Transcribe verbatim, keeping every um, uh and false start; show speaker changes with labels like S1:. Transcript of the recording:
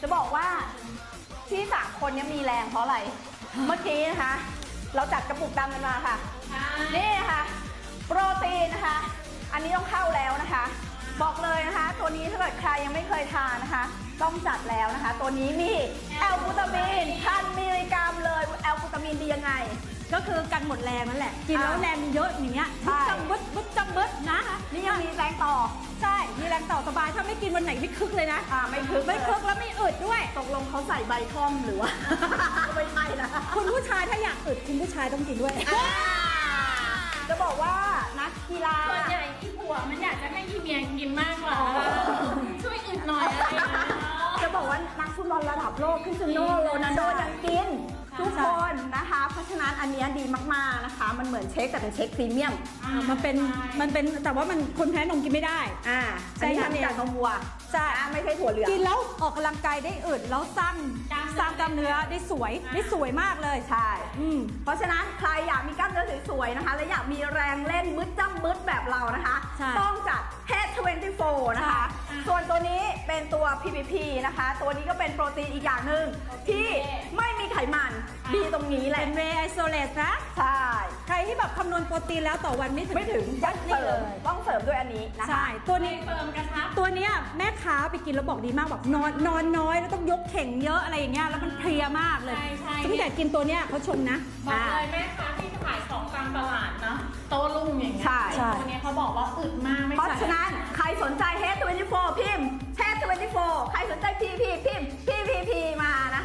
S1: บอกว่าที่สามคนนี้มีแรงเพราะอะไร เมื่อกี้นะคะ เราจัดกระปุกดำกันมาค่ะ นี่นะคะโปรตีนนะคะ อันนี้ต้องเข้าแล้วนะคะ บอกเลยนะคะ ตัวนี้ถ้าเกิดใครยังไม่เคยทานนะคะ ต้องจัดแล้วนะคะ ตัวนี้มีแอลบูตามีนพันมิลลิกรัมเลยแอลบูตามีนดียังไง
S2: ก็คือกันหมดแรงนั่นแหละกินแล้วแรงเยอะอย่างเงี้ย
S1: ใช่
S2: จำบึดบึดจำบึดนะ
S1: นี่ยังมีแรงต่อ
S2: ใช่มีแรงต่อสบายถ้าไม่กินวันไหนไม่คึกเลยนะ
S1: อ่าไม่คึก
S2: ไม่คึกแล้วไม่อึดด้วย
S1: ตกลงเขาใส่ใบท่อมหรือว่า ไม่ใช่นะ
S2: คุณผู้ชายถ้าอยากอึดคุณผู้ชายต้องกินด้วย
S1: จะบอกว่านักกีฬา
S3: ส่วนใหญ่ที่ผัวมันอยากจะให้อีเมียกินมากกว่า ช่วยอึดหน่อยอะไรอย่างเงี้ย
S1: จะบอกว่านักฟุตบอลระดับโลกคริสเตียโนโรนัลโดยังกินทุกคนนะคะ เพราะฉะนั้นอันเนี้ยดีมากๆนะคะ มันเหมือนเช็คแต่เป็นเช็คพรีเมียม
S2: อ่ามันเป็นมันเป็นแต่ว่ามันคนแพ้นมกินไม่ได้
S1: อ่าอันนี้
S2: ใช่
S1: ทำจากนมวัว
S2: ใช่
S1: อ่าไม่ใช่ถั่วเหลือง
S2: กินแล้วออกกำลังกายได้อึดแล้วสร้างสร้างกล้ามเนื้อได้สวยได้สวยมากเลย
S1: ใช่
S2: อืม
S1: เพราะฉะนั้นใครอยากมีกล้ามเนื้อสวยๆนะคะ และอยากมีแรงเล่นมึดจ้ำมึดแบบเรานะคะ
S2: ใช่
S1: ต้องจัด เฮด ยี่สิบสี่ นะคะ ส่วนตัวนี้เป็นตัว พี พี พี นะคะ ตัวนี้ก็เป็นโปรตีนอีกอย่างหนึ่งที่ไม่มีไขมันดีตรงนี้แหละ
S2: เป็นเวย์ไอโซเลตนะ
S1: ใช่
S2: ใครที่แบบคำนวณโปรตีนแล้วต่อวันไม่ถึง
S1: ไม่ถึงยัด
S2: นี่
S1: เสริ
S2: เล
S1: ม
S2: ย
S1: ต้องเสริมด้วยอันนี้นะคะ
S2: ใช่ตัวนี้
S3: เฟิร์มกระชับ
S2: ตัวเนี้ยแม่ค้าไปกินแล้วบอกดีมากแบบนอนนอนน้อยแล้วต้องยกเข่งเยอะอะไรอย่างเงี้ยแล้วมันเพลียมากเลย
S3: ใช่ใช่
S2: ตั้งแต่กินตัวเนี้ยเขาชมนะ
S3: บอกเลยแม่ค้าที่ขายของตามตลาดเนาะโต้รุ่งอย่างเงี้ย
S1: ใช่
S3: ตัวเนี้ยเขาบอกว่าอึดมากไม่
S1: เพราะ
S3: ใช่
S1: ฉะนั้นใครสนใจ เฮด ยี่สิบสี่ พิมพ์ เฮด ยี่สิบสี่ ใครสนใจ พี พี พิมพ์ พี พี พี มานะ